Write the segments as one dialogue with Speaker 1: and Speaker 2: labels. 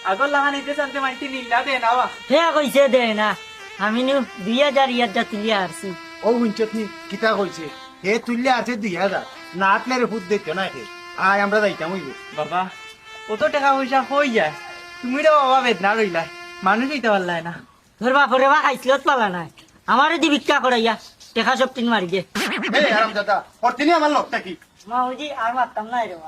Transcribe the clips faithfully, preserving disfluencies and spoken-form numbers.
Speaker 1: আগর লাগা নিতে চান্তে মাইতি নিলা দে না বা
Speaker 2: হে কইছে দে না আমি নু দুই হাজার ইয়ারটা তুলিয়া আসছি।
Speaker 3: ও হুঞ্চত নি কিতা কইছে হে তুললে আছে দুই হাজার না আটলে ফুট দিত না হে আয় আমরা যাইতাম হইব
Speaker 1: বাবা কত টাকা পয়সা হয়ে যায় তুমি রে বাবা বেদনা রইলা মানুষ হইতে পারলাই না
Speaker 2: তোর বাপরে বা খাইছিলত পালা নাই আমারে দি ভিক্ষা করাইয়া টেকা সব তিন মারি গে।
Speaker 3: এই আরাম দাদা অর্তিনি আমার লোকটা কি
Speaker 2: মা বুঝি আর মারতাম নাই রে বা।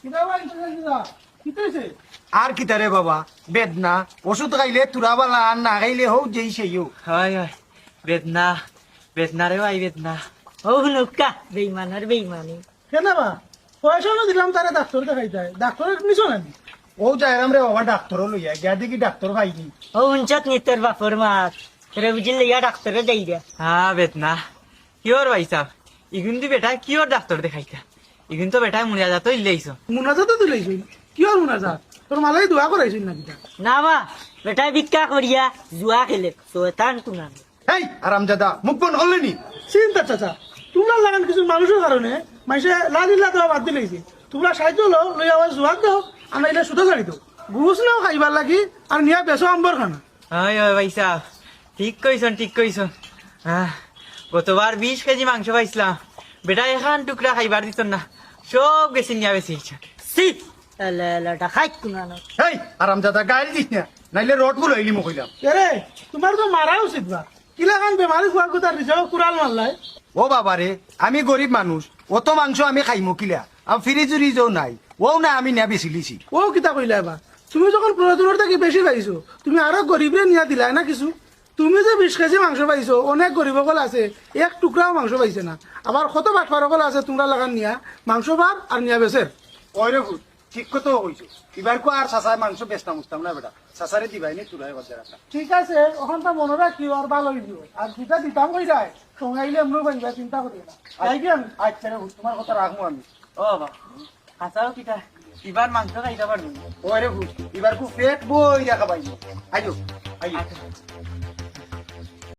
Speaker 3: আর কিতা রে বাবা বেদনা ওষুধ খাইলে তুরা বালা আর না খাইলে হোক যেই সেই হোক
Speaker 1: হয় হয় বেদনা বেদনা রে ভাই বেদনা
Speaker 2: ও নুকা বেইমানের বেইমানি।
Speaker 4: কেন বা পয়সা না দিলাম তারে ডাক্তার দেখাইতে ডাক্তারের নিছো না
Speaker 3: ও যাইরাম রে বাবা ডাক্তার লইয়া গিয়া দেখি ডাক্তার পাইনি
Speaker 2: ও উঞ্চত নি তোর বাপর মাত তোরে বুঝি লইয়া ডাক্তারে দেই রে।
Speaker 1: হ্যাঁ বেদনা কিওর ভাই সাহ ইগুন দি বেটা কিওর ডাক্তার দেখাইতা ইগুন তো বেটা মুনিয়া যাতো ইল্লেইছ
Speaker 4: মুনাজাত তুলাইছিস কি আর মুনাজাত তোর মালাই দোয়া করাইছিস নাকি তা
Speaker 2: না বা বেটাই ভিক্ষা করিয়া জুয়া খেলে শয়তান কুনান।
Speaker 3: এই আরাম দাদা মুখ বন হলেনি
Speaker 4: চিন্তা চাচা তোমরা লাগান কিছু মানুষের কারণে মানুষে লালিল্লা দেওয়া বাদ দিলেইছে তোমরা সাহায্য লো লই আবার জোয়াক দাও আমরা এটা সুতো ছাড়ি দাও গুরুস নাও খাইবার লাগি আর নিয়া বেসো আম্বর খানা।
Speaker 1: হয় হয় ভাই সাহ ঠিক কইছন ঠিক কইছন হ্যাঁ গতবার বিশ কেজি মাংস পাইছিলাম বেটা এখান টুকরা খাইবার দিত না সব গেছি নিয়া বেশি
Speaker 2: সি এলে এলেটা খাই কুনান।
Speaker 3: এই আরাম দাদা গাড়ি দিস না নাইলে রড গুলো হইলি মুখ হইলাম
Speaker 4: এরে তোমার তো মারা উচিত বা কিলা খান বেমারি খোয়ার কথা দিছে কুড়াল মারলাই।
Speaker 3: ও বাবা রে আমি গরিব মানুষ অত মাংস আমি খাইমু কিলা আর ফ্রিজ উরিজও নাই ও না আমি না বেশি লিছি
Speaker 4: ও কিতা কইলা এবার তুমি যখন প্রয়োজনের থেকে বেশি পাইছো তুমি আরো গরিবরে নিয়া দিলাই না কিছু তুমি যে বিশ কেজি মাংস পাইছো অনেক গরিব সকল আছে এক টুকরাও মাংস পাইছে না আবার কত বাটফার সকল আছে তোমরা লাগান নিয়া মাংস বার আর নিয়া বেসের।
Speaker 3: ওই রে ভূত, ঠিক কথা হইছো এবার কো আর সাসায় মাংস বেচতাম উঠতাম না বেটা সাসারে দিবাই নি তুলাই বাজার রাখা
Speaker 4: ঠিক আছে ওখান তো মনে রাখিও আর ভালো হইব আর যেটা দিতাম কই যায় সঙ্গাইলে এমন পাইবা চিন্তা করি না আইবি আমি
Speaker 3: আচ্ছা রে ভূত, তোমার কথা রাখবো আমি
Speaker 1: ও বাবা হাসাও কিটা এবার মাংস খাইতে পারবি
Speaker 3: ওই রে ভূত, এবার কো পেট বই রাখা পাইছো আইজো আইজো
Speaker 1: আচ্ছা